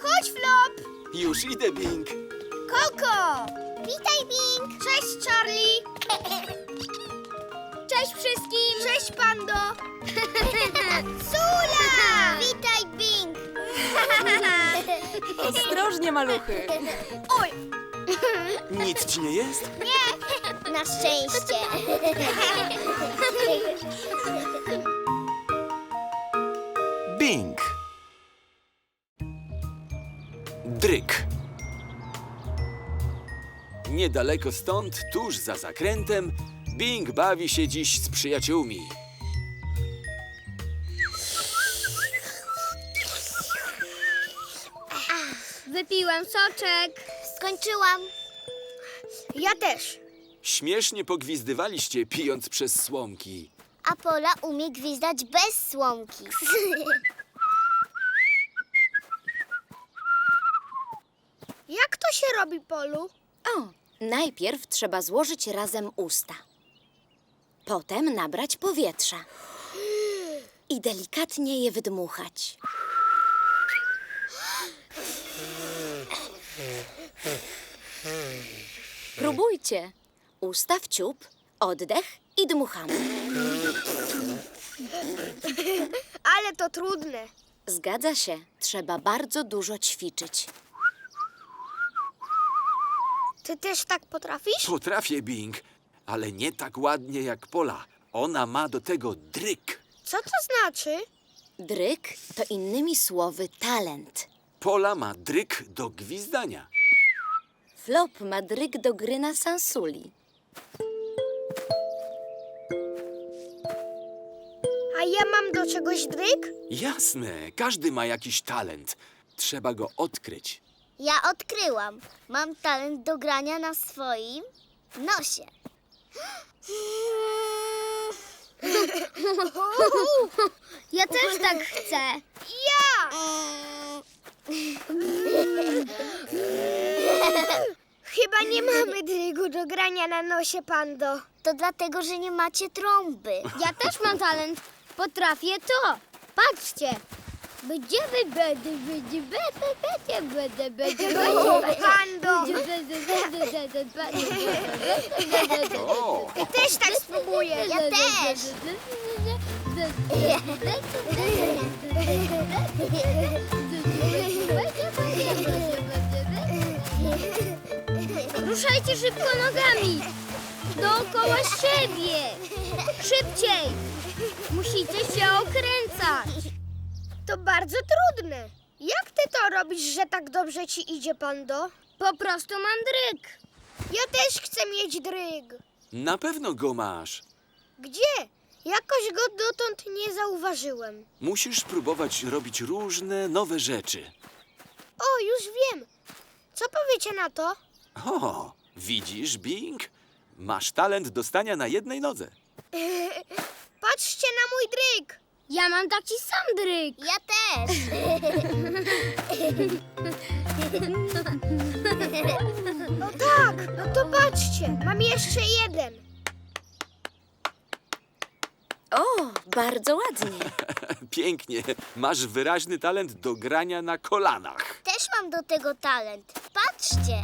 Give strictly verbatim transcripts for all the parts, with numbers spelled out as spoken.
Chodź, Flop! Już idę, Bing. Koko! Witaj, Bing! Cześć, Charlie! Cześć wszystkim! Cześć, Pando! Sula! Witaj, Bing! Ostrożnie, maluchy. Oj! Nic ci nie jest? Na szczęście. Bing. Dryk. Niedaleko stąd, tuż za zakrętem, Bing bawi się dziś z przyjaciółmi. Wypiłem soczek. Skończyłam. Ja też. Śmiesznie pogwizdywaliście, pijąc przez słomki. A Pola umie gwizdać bez słomki. Jak to się robi, Polu? O, najpierw trzeba złożyć razem usta. Potem nabrać powietrza. I delikatnie je wydmuchać. Próbujcie. Usta w ciup, oddech i dmuchamy. Ale to trudne. Zgadza się, trzeba bardzo dużo ćwiczyć. Ty też tak potrafisz? Potrafię, Bing, ale nie tak ładnie jak Pola. Ona ma do tego dryk. Co to znaczy? Dryk to innymi słowy talent. Pola ma dryk do gwizdania. Flop ma dryk do gry na sansuli. A ja mam do czegoś dryk? Jasne, każdy ma jakiś talent. Trzeba go odkryć. Ja odkryłam. Mam talent do grania na swoim nosie. Ja też tak chcę. Ja! Chyba nie mamy drygu do grania na nosie, Pando. To dlatego, że nie macie trąby. Ja też mam talent. Potrafię to. Patrzcie. Będziemy, będę, będzie, będę, będzie, będę, będzie, Pando! O, Ja też tak spróbuję. Ja też. Ruszajcie szybko nogami. Dookoła siebie. Szybciej. Musicie się okręcać. To bardzo trudne. Jak ty to robisz, że tak dobrze ci idzie, Pando? Po prostu mam dryg. Ja też chcę mieć dryg. na pewno go masz. Gdzie? Jakoś go dotąd nie zauważyłem. Musisz próbować robić różne nowe rzeczy. O, już wiem. Co powiecie na to? O, widzisz, Bing? Masz talent do stania na jednej nodze. Patrzcie na mój dryg. Ja mam taki sam dryg. Ja też. No tak, no to patrzcie. Mam jeszcze jeden. O, bardzo ładnie. Pięknie. Masz wyraźny talent do grania na kolanach. Też mam do tego talent. Patrzcie.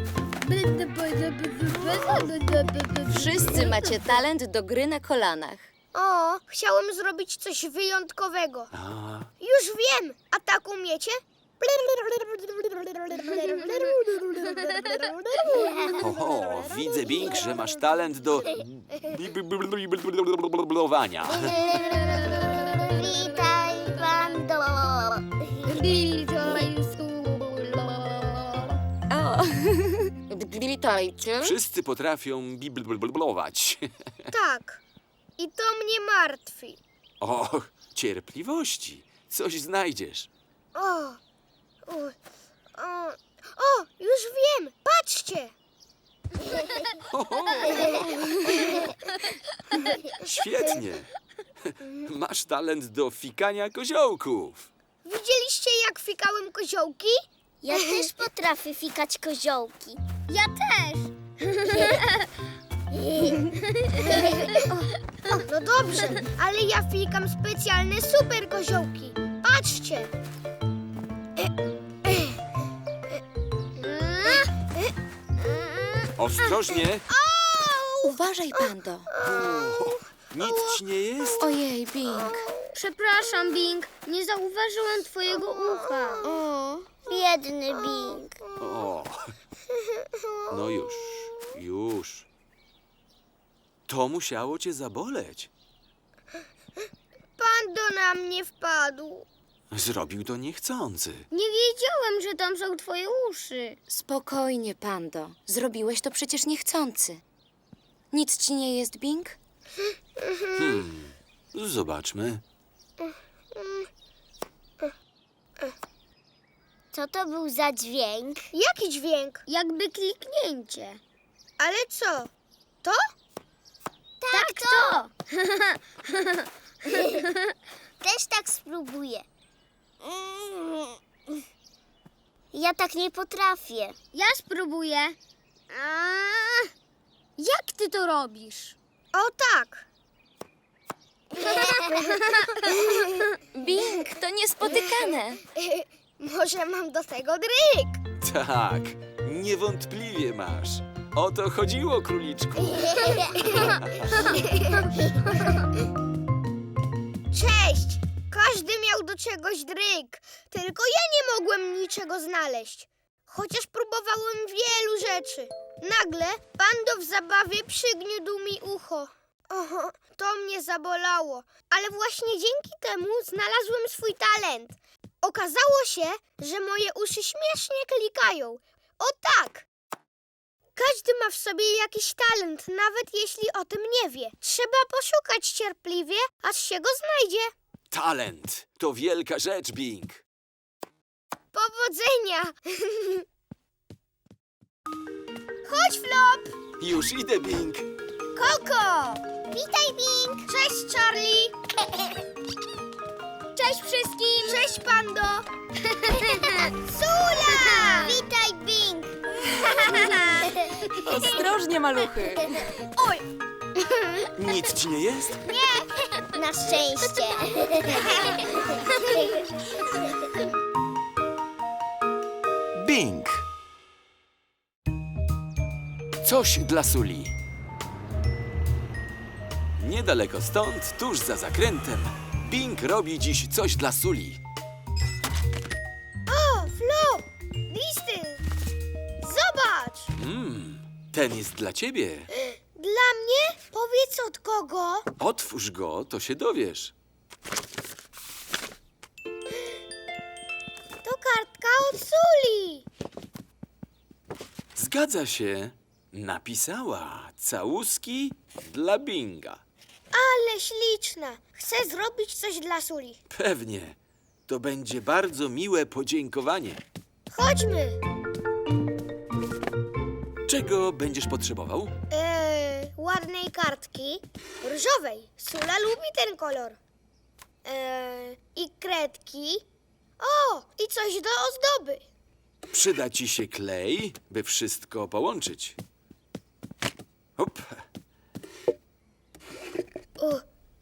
Wszyscy macie talent do gry na kolanach. O, chciałem zrobić coś wyjątkowego. A, Już wiem. A tak umiecie? oho, widzę, Bing, że masz talent do biblowania. Witaj, Pando. O, witajcie. Wszyscy potrafią biblować. Tak. I to mnie martwi. O, cierpliwości. Coś znajdziesz. O, o, o, o, już wiem. Patrzcie. Oho. Świetnie. Masz talent do fikania koziołków. Widzieliście, jak fikałem koziołki? Ja też potrafię fikać koziołki. Ja też. O, no dobrze, ale ja fikam specjalne super koziołki. Patrzcie. Ostrożnie! Uważaj, Pando. Uff, nic ci nie jest? Ojej, Bing. Przepraszam, Bing, nie zauważyłem twojego ucha. O, biedny Bing. O, no już, już. To musiało cię zaboleć. Pando na mnie wpadł. Zrobił to niechcący. Nie wiedziałem, że tam są twoje uszy. Spokojnie, Pando. Zrobiłeś to przecież niechcący. Nic ci nie jest, Bing? Hmm, zobaczmy. Co to był za dźwięk? Jaki dźwięk? Jakby kliknięcie. Ale co? To? Tak, to! Też tak spróbuję. Mm. Ja tak nie potrafię. Ja spróbuję. A, jak ty to robisz? O tak. Bing, to niespotykane. Może mam do tego dryk. Tak, niewątpliwie masz. O to chodziło, króliczku. Cześć! Każdy miał do czegoś dryk. Tylko ja nie mogłem niczego znaleźć. Chociaż próbowałem wielu rzeczy. Nagle Pando w zabawie przygniódł mi ucho. Oho, to mnie zabolało. Ale właśnie dzięki temu znalazłem swój talent. Okazało się, że moje uszy śmiesznie klikają. O tak! Każdy ma w sobie jakiś talent, nawet jeśli o tym nie wie. Trzeba poszukać cierpliwie, aż się go znajdzie. Talent to wielka rzecz, Bing. Powodzenia! Chodź, Flop! Już idę, Bing. Koko! Witaj, Bing! Cześć, Charlie! Cześć wszystkim! Cześć, Pando! Sula! Witaj, Bing! Ostrożnie, maluchy. Oj! Nic ci nie jest? Na szczęście. Bing. Coś dla Suli. Niedaleko stąd, tuż za zakrętem, Bing robi dziś coś dla Suli. O, Flop! Listy! Zobacz! Mmm, ten jest dla ciebie. Dla mnie? Powiedz od kogo? Otwórz go, to się dowiesz. To kartka od Suli! Zgadza się. Napisała całuski dla Binga. Ale śliczna! Chcę zrobić coś dla Suli. Pewnie. To będzie bardzo miłe podziękowanie. Chodźmy! Czego będziesz potrzebował? Eee, ładnej kartki. Różowej. Sula lubi ten kolor. Eee, I kredki. O, i coś do ozdoby. Przyda ci się klej, by wszystko połączyć. Hop. U.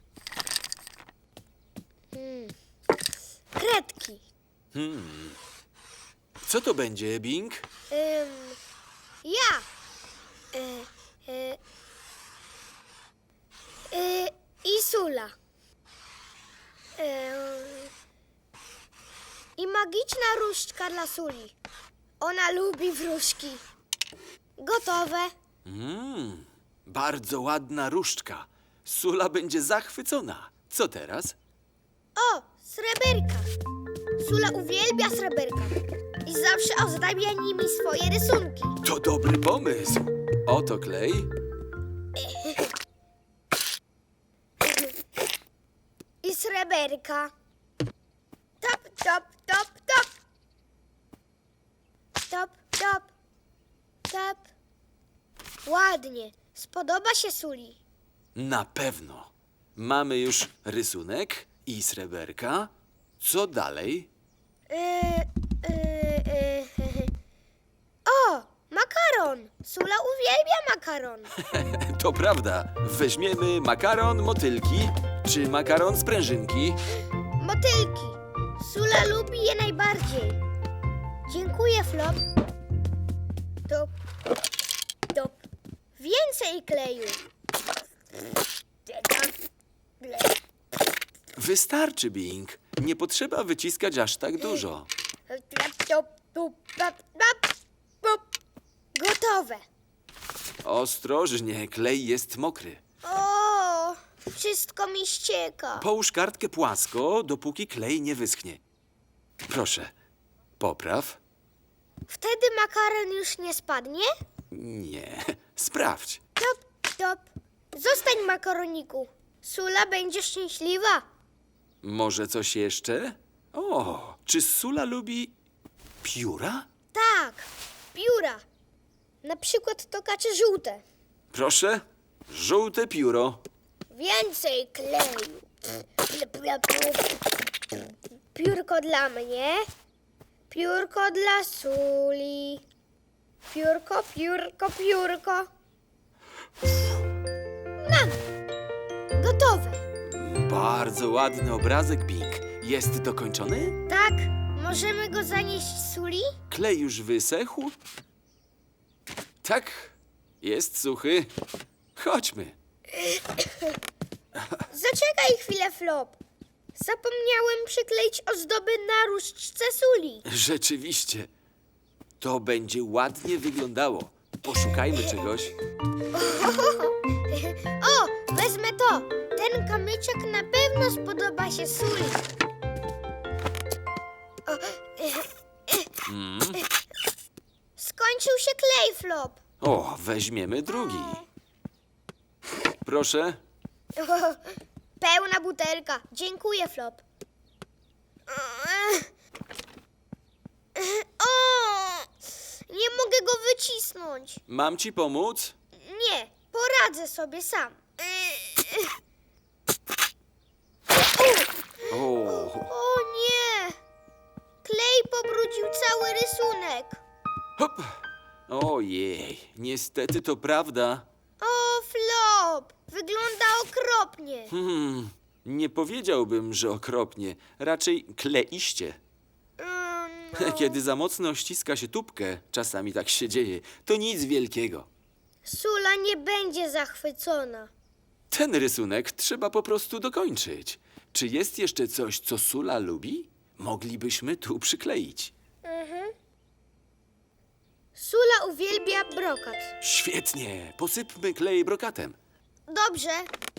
Hmm. Kredki. Hmm. Co to będzie, Bing? Ym, ja. E, e, e, I Sula. E, I magiczna różdżka dla Suli. Ona lubi wróżki. Gotowe. Mm, bardzo ładna różdżka. Sula będzie zachwycona. Co teraz? O, sreberka. Sula uwielbia sreberka. I zawsze ozdabia nimi swoje rysunki. To dobry pomysł. Oto klej. I sreberka. Top, top, top, top. Top, top, top. Ładnie. Spodoba się Suli. Na pewno. Mamy już rysunek i sreberka. Co dalej? Yy, yy, yy. O, makaron. Sula uwielbia makaron. To prawda. Weźmiemy makaron motylki czy makaron sprężynki. Motylki. Sula lubi je najbardziej. Dziękuję, Flop. Top, top. Więcej kleju. Wystarczy, Bing. Nie potrzeba wyciskać aż tak dużo. Gotowe. Ostrożnie, klej jest mokry. O, wszystko mi ścieka. Połóż kartkę płasko, dopóki klej nie wyschnie. Proszę, popraw. Wtedy makaron już nie spadnie? Nie, sprawdź. Top, top. Zostań, makaroniku. Sula będzie szczęśliwa. Może coś jeszcze? O, czy Sula lubi pióra? Tak, pióra. Na przykład tokacze żółte. Proszę, żółte pióro. Więcej kleju. Piórko dla mnie. Piórko dla Suli. Piórko, piórko, piórko. Mam. Gotowe. Bardzo ładny obrazek, Bing. Jest dokończony? Tak, możemy go zanieść Suli? Klej już wysechł? Tak, jest suchy. Chodźmy. Zaczekaj chwilę, Flop. Zapomniałem przykleić ozdoby na różdżce Suli. Rzeczywiście. To będzie ładnie wyglądało. Poszukajmy czegoś. O, wezmę to. Ten kamyczek na pewno spodoba się Suli. O, Mm. skończył się klej, Flop. O, weźmiemy drugi. Proszę. Pełna butelka. Dziękuję, Flop. O, nie mogę go wycisnąć. Mam ci pomóc? Nie, poradzę sobie sam. O, O nie! Klej pobrudził cały rysunek. hop. Ojej, niestety to prawda. O, Flop! Wygląda okropnie. Hmm, nie powiedziałbym, że okropnie. Raczej kleiście. Mm, no. Kiedy za mocno ściska się tubkę, czasami tak się dzieje, to nic wielkiego. Sula nie będzie zachwycona. Ten rysunek trzeba po prostu dokończyć. Czy jest jeszcze coś, co Sula lubi? Moglibyśmy tu przykleić. Mhm. Sula uwielbia brokat. Świetnie, posypmy klej brokatem. Dobrze.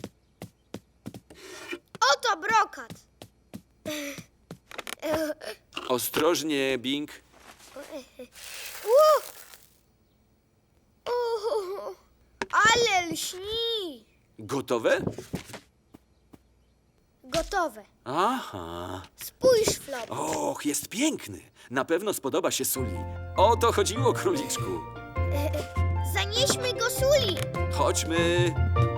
Oto brokat. Ostrożnie, Bing. U! U! Ale lśni. Gotowe? Gotowe. Aha. Spójrz, Flop. Och, jest piękny. Na pewno spodoba się Suli. O to chodziło, króliczku. Zanieśmy go Suli. Chodźmy.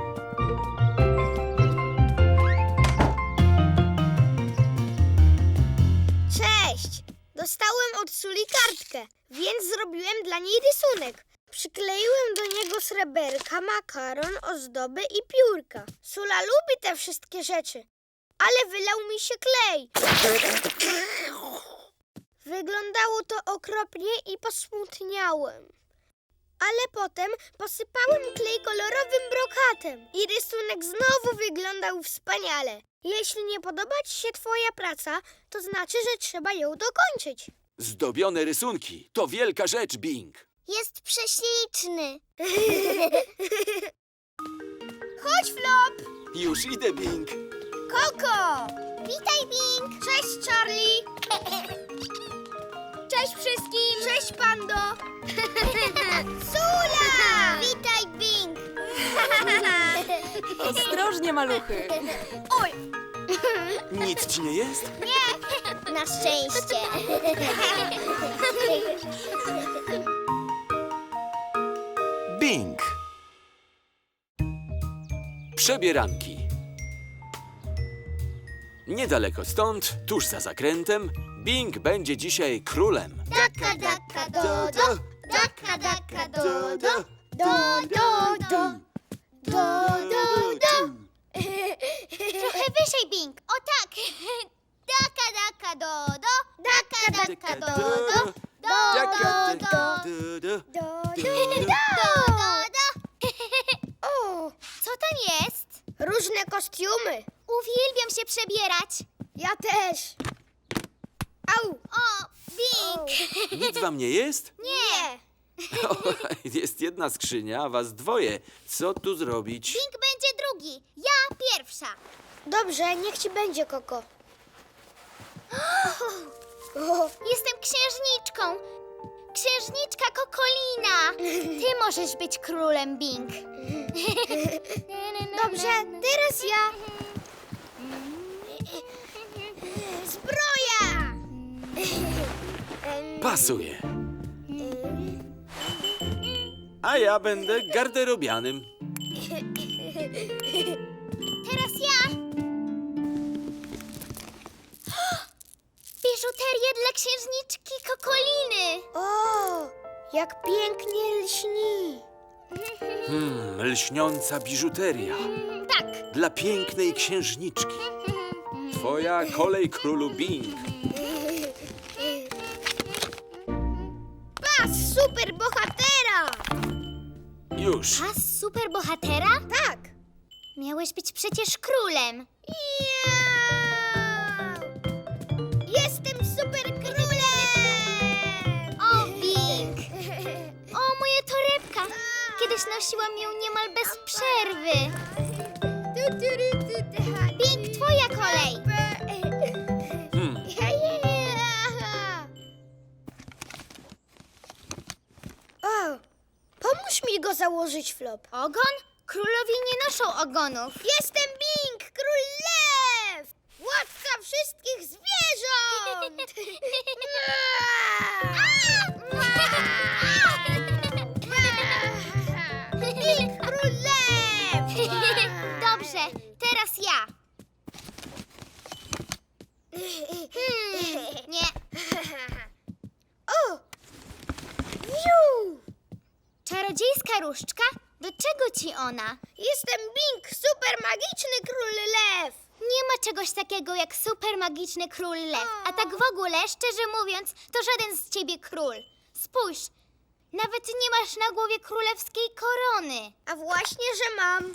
Cześć! Dostałem od Suli kartkę, więc zrobiłem dla niej rysunek. Przykleiłem do niego sreberka, makaron, ozdoby i piórka. Sula lubi te wszystkie rzeczy, ale wylał mi się klej. Wyglądało to okropnie i posmutniałem. Ale potem posypałem klej kolorowym brokatem i rysunek znowu wyglądał wspaniale. Jeśli nie podoba ci się twoja praca, to znaczy, że trzeba ją dokończyć. Zdobione rysunki. To wielka rzecz, Bing. Jest prześliczny. Chodź, Flop! Już idę, Bing. Koko! Witaj, Bing. Cześć, Charlie! Cześć wszystkim! Cześć, Pando! Sula! Witaj, Bing. Ostrożnie, maluchy. Oj! Nic ci nie jest? Na szczęście. Bing. Przebieranki. Niedaleko stąd, tuż za zakrętem, Bing będzie dzisiaj królem. Daka, daka, do, do. Daka, daka, do, do. Do, do, do. Do, do, do. Trochę wyżej, Bing. O tak. Daka, daka, do, do. Daka, daka, do, do. Do, do, do. Du, du. Do, Do, do, do. Nic wam nie jest? Nie. O, jest jedna skrzynia, a was dwoje. Co tu zrobić? Bing będzie drugi. Ja pierwsza. Dobrze, niech ci będzie, Koko. Jestem księżniczką. Księżniczka Kokolina. Ty możesz być królem, Bing. Dobrze, teraz ja. Zbroja! Pasuje. A ja będę garderobianym. Teraz ja. Biżuterię dla księżniczki Kokoliny. O, jak pięknie lśni. Hmm, lśniąca biżuteria. Tak. Dla pięknej księżniczki. Twoja kolej, królu Bing. Pas super bohatera! Już. Pas superbohatera? Tak. Miałeś być przecież królem. Ja! Jestem super królem! O, Bing! O, moja torebka! Kiedyś nosiłam ją niemal bez przerwy. Bing, twoja kolej! Hmm. O, pomóż mi go założyć, Flop. Ogon? Królowie nie noszą ogonów. Jestem Bing, król lew! Władca wszystkich zwierząt! Bing, król lew! Dobrze, teraz ja. Hmm, nie. O! Wiu! Czarodziejska różdżka? Do czego ci ona? Jestem Bing, super magiczny król lew! Nie ma czegoś takiego jak super magiczny król lew. A tak w ogóle, szczerze mówiąc, to żaden z ciebie król. Spójrz, nawet nie masz na głowie królewskiej korony. A właśnie, że mam.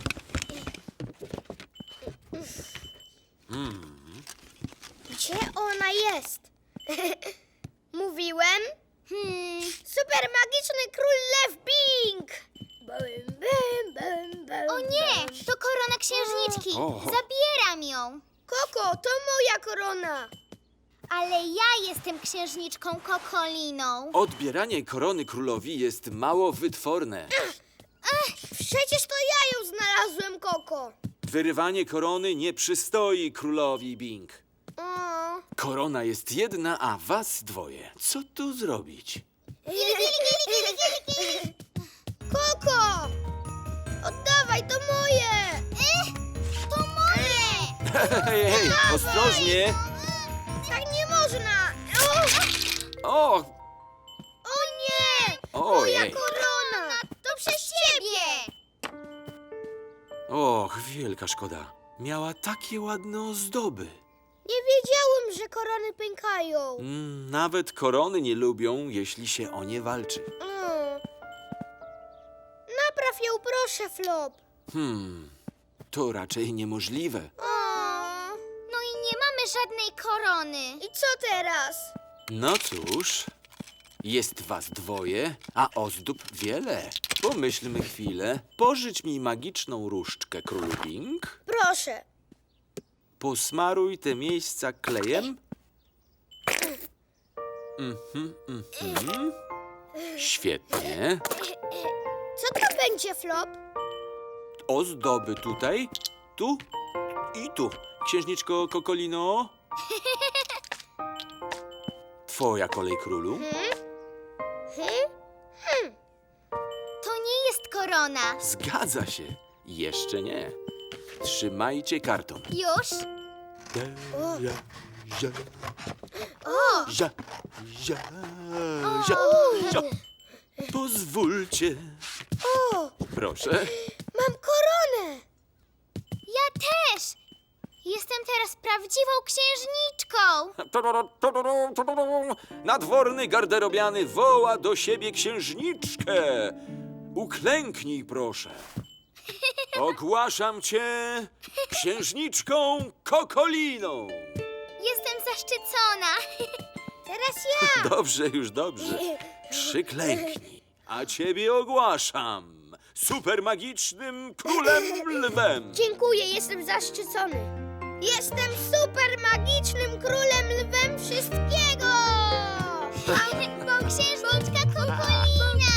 Gdzie ona jest? Mówiłem? Hmm, Super magiczny król lew Bing! Bum, bum, bum, bum, o nie, to korona księżniczki. O. Zabieram ją. Koko, to moja korona. Ale ja jestem księżniczką Kokoliną. Odbieranie korony królowi jest mało wytworne. Przecież to ja ją znalazłem, Koko. Wyrywanie korony nie przystoi królowi Bing. O. Korona jest jedna, a was dwoje. Co tu zrobić? Koko! Oddawaj, to moje! Eh, to moje! Hej, hej, ostrożnie! Tak nie można! O, O, o nie! Moja ojej. korona! To przez ciebie! Och, wielka szkoda. Miała takie ładne ozdoby. Nie wiedziałem, że korony pękają. Mm, nawet korony nie lubią, jeśli się o nie walczy. Mm. Napraw ją, proszę, Flop. Hmm, to raczej niemożliwe. O. No i nie mamy żadnej korony. I co teraz? No cóż, jest was dwoje, a ozdób wiele. Pomyślmy chwilę. Pożycz mi magiczną różdżkę, królu Bing. Proszę. Posmaruj te miejsca klejem. Mhm, mhm. Świetnie. Co to będzie, Flop? Ozdoby tutaj, tu i tu. Księżniczko Kokolino. Twoja kolej, królu. Hmm? To nie jest korona. Zgadza się. Jeszcze nie. Trzymajcie karton. Już? O. Ja, ja, O, ja, ja, ja, ja. Pozwólcie. O, Proszę. mam koronę. ja też. Jestem teraz prawdziwą księżniczką. Nadworny garderobiany woła do siebie księżniczkę. Uklęknij, proszę. Ogłaszam cię księżniczką Kokoliną. Jestem zaszczycona. Teraz ja. Dobrze, już dobrze. Przyklęknij, a ciebie ogłaszam supermagicznym królem lwem. Dziękuję, jestem zaszczycony. Jestem super magicznym królem lwem wszystkiego! Bo księżniczka Kokolina.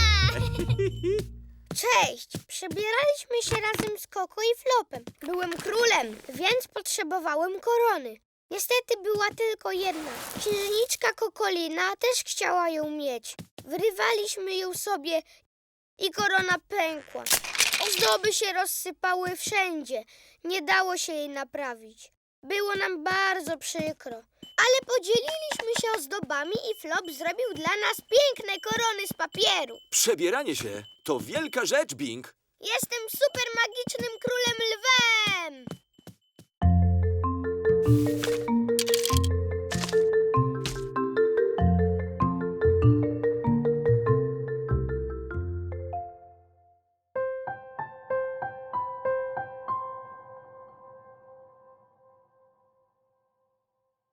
Cześć! Przebieraliśmy się razem z Koko i Flopem. Byłem królem, więc potrzebowałem korony. Niestety była tylko jedna. Księżniczka Kokolina też chciała ją mieć. Wyrywaliśmy ją sobie i korona pękła. Ozdoby się rozsypały wszędzie. Nie dało się jej naprawić. Było nam bardzo przykro. Ale podzieliliśmy się ozdobami i Flop zrobił dla nas piękne korony z papieru. Przebieranie się to wielka rzecz, Bing. Jestem super